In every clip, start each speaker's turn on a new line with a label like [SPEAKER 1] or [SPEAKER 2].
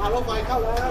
[SPEAKER 1] รถไฟเข้าแล้ว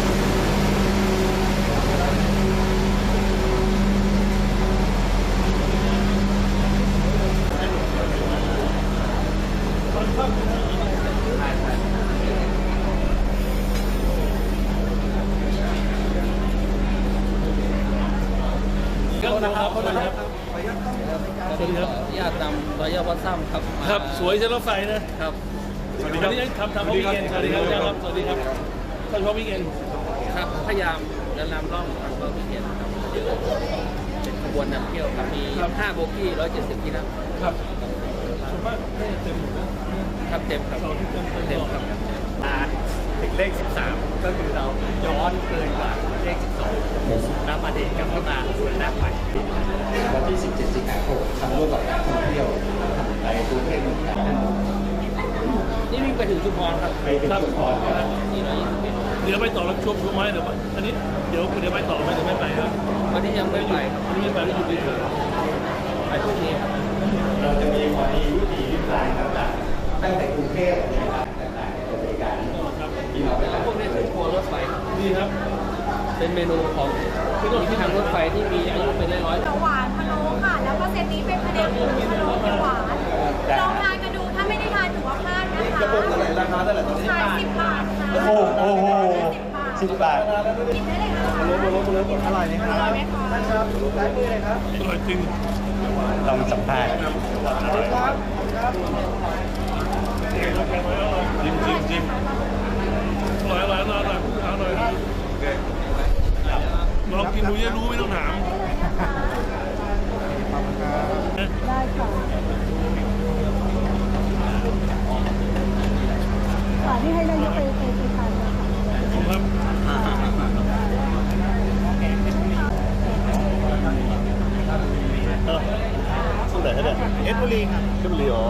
[SPEAKER 2] ครับสวัสดีครับสวัสดีครับญาตินำรอยวัดซ้ำครับครับสวยเส้นรถไฟนะครับสวัสดีครับทำเขาวิกเอนสวัสดีครับสวัสดีครับท่านเขาวิกเอนครับพยายามเดินนำร่องทางเขาวิกเอนครับเป็นขบวนนำเที่ยวครับมี5โบกี้170ที่นั่งครับส่วนมากเต็มครับเต็มครับเต็มครับ
[SPEAKER 3] ถึงเลข 13 ก็คือเราย้อนเกินกว่าเลข 12แล้วมาเด็กกับเข้ามาส่วนหน้าใหม่
[SPEAKER 4] วันที่ 17 สิงหาคมทำร่วมกับการท่องเที่ยวในกรุงเทพมหานคร
[SPEAKER 2] นี่วิ่งไปถึงชุมพรครับ
[SPEAKER 4] ไปถึงชุมพรครับ
[SPEAKER 2] เดี๋ยวไปต่อแล้วช่วงไม้เดี๋ยวอันนี้เดี๋ยวไปต่อไหมหรือไม่ไปครับวันนี้ยังไม่ไปครับวันนี้ไม่ไปแล้วอยู่ดีๆไปพรุ่งนี้ครับ
[SPEAKER 4] เราจะมีวันนี้วิถีวิถีต่างๆตั้งแต่กรุงเทพนะครับต่างๆบริการที่เราไปรับ
[SPEAKER 2] พวกนี้เป็นทัวร์รถไฟนี่ครับเป็นเมนูของที่ทางรถไฟที่มีอายุเป็นร้อย
[SPEAKER 5] ๆหวานพะโล้ค่ะแล้วก็เซตนี้เป็นพะเดหมูพะโล้เขียวหวานลองทานกันดูถ้าไม่ได้ทานถือว่าพลาดนะคะกระปุกเท่าไหร่ราคาเท่าไหร่ตอนนี้10 บาทค่ะ
[SPEAKER 4] โอ้โห10 บาท
[SPEAKER 5] กินได้เลยค่ะ
[SPEAKER 4] อร่อยไหมครับ
[SPEAKER 5] อร่อยไหมคะ
[SPEAKER 4] ท่านครับได้มือเลยครับ
[SPEAKER 2] อร่อยจริง
[SPEAKER 4] ลองสัมภาษณ์
[SPEAKER 2] จิ้มอร่อยลองกินดูจะรู้ไม่ต้องถาม
[SPEAKER 5] ได้ค่ะที่ให้นายกไปทานนะคะ
[SPEAKER 2] ครับ
[SPEAKER 1] สุดไหนเนี่ยเอสบุรีครับเอสบุรีอ๋อ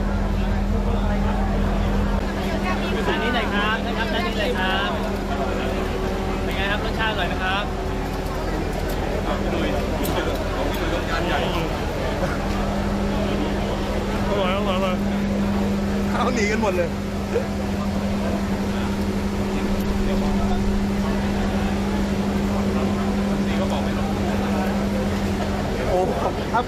[SPEAKER 2] ด้านนี้เลยครับนะครับด้านนี้เลยครับเป็นไงครับรสชาติอร่อยไหมครับพี่ดุยต้องการใหญ่อร่อย
[SPEAKER 1] เขาหนีกันหมดเลย
[SPEAKER 2] นี่ก็บอกไม่ลง
[SPEAKER 1] โอ้ขอบคุณครับ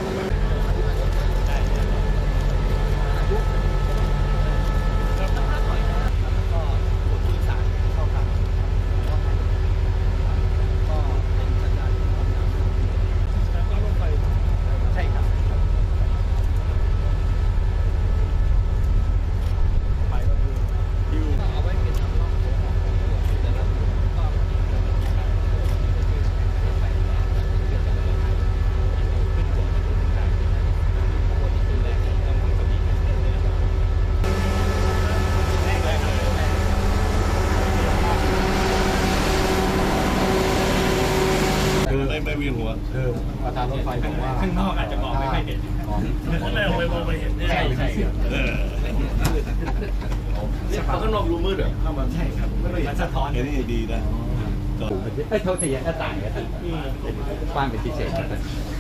[SPEAKER 2] ไม่เวียนหัว
[SPEAKER 4] ประธานรถไฟบอกว่า
[SPEAKER 3] ข้างนอกอาจจะมองไม่ค่อยเห็น
[SPEAKER 2] ข้างในมองไปเห็น
[SPEAKER 3] ใช่
[SPEAKER 2] ข้างนอกรูมืดเหรอ
[SPEAKER 3] เข้ามาใช่ครับมันสะท้อน
[SPEAKER 1] นี่ดีนะ
[SPEAKER 4] โทษทีก็ต่างกันกว้างเป็นพิเศษกัน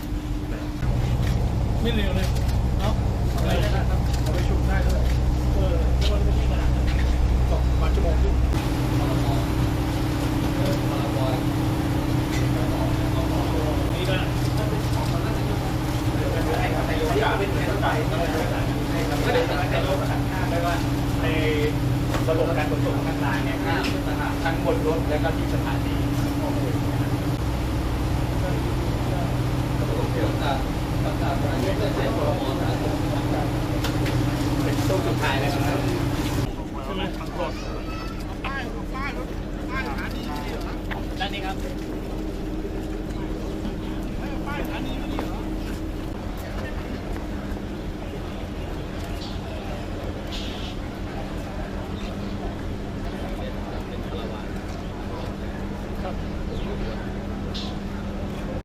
[SPEAKER 2] ไม่เร็วเลยเนาะอะไรนะครับเอาไปชุมได้ด้วยวันนี้ขนาดนั้น2 ชั่วโมงครึ่งนี่ก็
[SPEAKER 3] ไม่ได้ในรถประสานงานได้ว่าในระบบการขนส่งทางรางเนี่ยทั้งบนรถและก็ที่สถานีเป็นช่วงสุดท้ายแล้ว